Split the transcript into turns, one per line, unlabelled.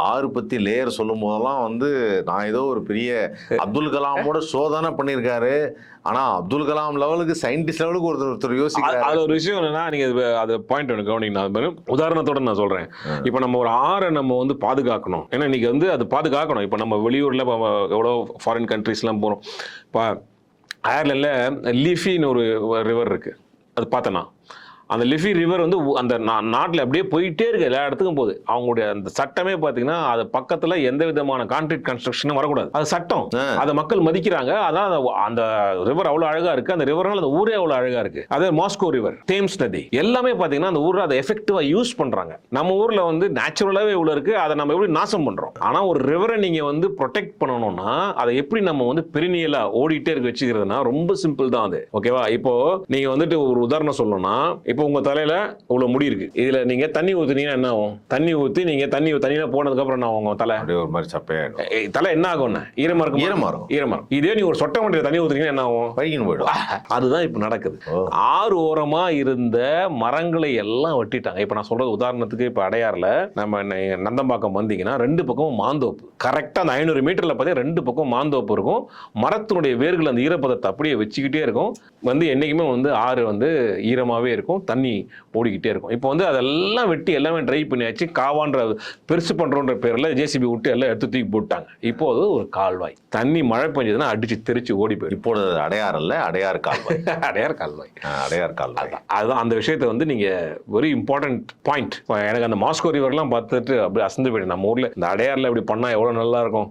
ஆறு பத்தி லேயர் சொல்லும் போதெல்லாம் வந்து நான் ஏதோ ஒரு பெரிய அப்துல் கலாமோட சோதனை பண்ணியிருக்காரு. ஆனா அப்துல் கலாம் லெவலுக்கு சயின்டிஸ்ட் லெவலுக்கு ஒருத்தர் யோசிக்கிறாரு.
அது ஒரு விஷயம் என்னன்னா, நீங்க அது பாயிண்ட் ஒன்று கவனிக்கணும். உதாரணத்தோட நான் சொல்றேன். இப்ப நம்ம ஒரு ஆறை நம்ம வந்து பாதுகாக்கணும். ஏன்னா இன்னைக்கு வந்து அது பாதுகாக்கணும். இப்ப நம்ம வெளியூர்ல எவ்வளோ ஃபாரின் கண்ட்ரீஸ்லாம் போறோம். இப்போ அயர்லாண்டில் லீஃபின்னு ஒரு ரிவர் இருக்கு. அது பார்த்தோன்னா அந்த லிஃபி ரிவர் வந்து அந்த நாட்டில் அப்படியே போயிட்டே இருக்கு, எல்லா இடத்துக்கும் போகுது. அவங்களுடைய அந்த சட்டமே பார்த்தீங்கன்னா அது பக்கத்தில் எந்த விதமான கான்கிரீட் கன்ஸ்ட்ரக்ஷனும் வரக்கூடாது. அது சட்டம். அதை மக்கள் மதிக்கிறாங்க. அதான் அந்த ரிவர் அவ்வளோ அழகா இருக்கு. அந்த ரிவர்னால அந்த ஊரே அவ்வளோ அழகா இருக்கு. அதே மாஸ்கோ ரிவர், தேம்ஸ் நதி எல்லாமே பார்த்தீங்கன்னா அந்த ஊரில் அதை எஃபெக்டிவா யூஸ் பண்றாங்க. நம்ம ஊர்ல வந்து நேச்சுரலாவே இவ்வளோ இருக்கு, அதை நம்ம எப்படி நாசம் பண்றோம். ஆனா ஒரு ரிவரை நீங்க வந்து ப்ரொடெக்ட் பண்ணணும்னா அதை எப்படி நம்ம வந்து பெரினியலா ஓடிட்டே இருக்க வச்சுக்கிறதுனா ரொம்ப சிம்பிள் தான் அது. ஓகேவா? இப்போ நீங்க வந்துட்டு ஒரு உதாரணம் சொல்லணும்னா, இப்போ உங்க தலையில இவ்வளவு முடி இருக்கு. இதுல நீங்க தண்ணி ஊத்துனீங்கன்னா என்ன ஆகும்? தண்ணி ஊத்தி நீங்க தண்ணியில போனதுக்கு அப்புறம் என்ன ஆகும்? தலை
அப்படியே ஒரு மாதிரி சப்பையாயிடும்.
தலை என்ன ஆகும்னா ஈரமா இருக்கும். ஈரமா இருக்கும். இதே நீ ஒரு சொட்டை வண்டியில தண்ணி ஊத்துனீங்கன்னா என்ன ஆகும்?
பைக்கின்னு போயிடும்.
அதுதான் இப்ப நடக்குது. ஆறு ஓரமா இருந்த மரங்களை எல்லாம் வெட்டிட்டாங்க. இப்ப நான் சொல்றது உதாரணத்துக்கு இப்ப அடையாறுல நம்ம நந்தம்பாக்கம் வந்தீங்கன்னா ரெண்டு பக்கமும் மாந்தோப்பு. கரெக்டா அந்த 500 மீட்டர்ல பார்த்தீங்கன்னா ரெண்டு பக்கம் மாந்தோப்பு இருக்கும். மரத்தினுடைய வேர்கள் அந்த ஈரப்பதத்தை அப்படியே வச்சுக்கிட்டே இருக்கும். வந்து என்னைக்குமே வந்து ஆறு வந்து ஈரமாவே இருக்கும், தண்ணி ஓடிக்கிட்டே இருக்கும். இப்போ வந்து அதெல்லாம் வெட்டி எல்லாமே ட்ரை பண்ணியாச்சு. காவான்ற பெருசு பண்றோன்ற பேர்ல ஜேசிபி விட்டு எல்லாம் எடுத்து தூக்கி போட்டாங்க. இப்போ அது ஒரு கால்வாய். தண்ணி மழை பெஞ்சதுன்னா அடிச்சு தெரிச்சு ஓடி போயிடும்.
இப்போ அடையாறு இல்ல, அடையாறு கால்வாய்.
அடையாறு கால்வாய்.
அடையாறு கால்வாய்.
அதுதான் அந்த விஷயத்தை வந்து நீங்க வெரி இம்பார்ட்டன்ட் பாயிண்ட். எனக்கு அந்த மாஸ்கோ ரிவர்லாம் பார்த்துட்டு அப்படியே அசந்து போயிடும். நம்ம ஊர்ல இந்த அடையாறுல இப்படி பண்ணா எவ்வளவு நல்லா இருக்கும்.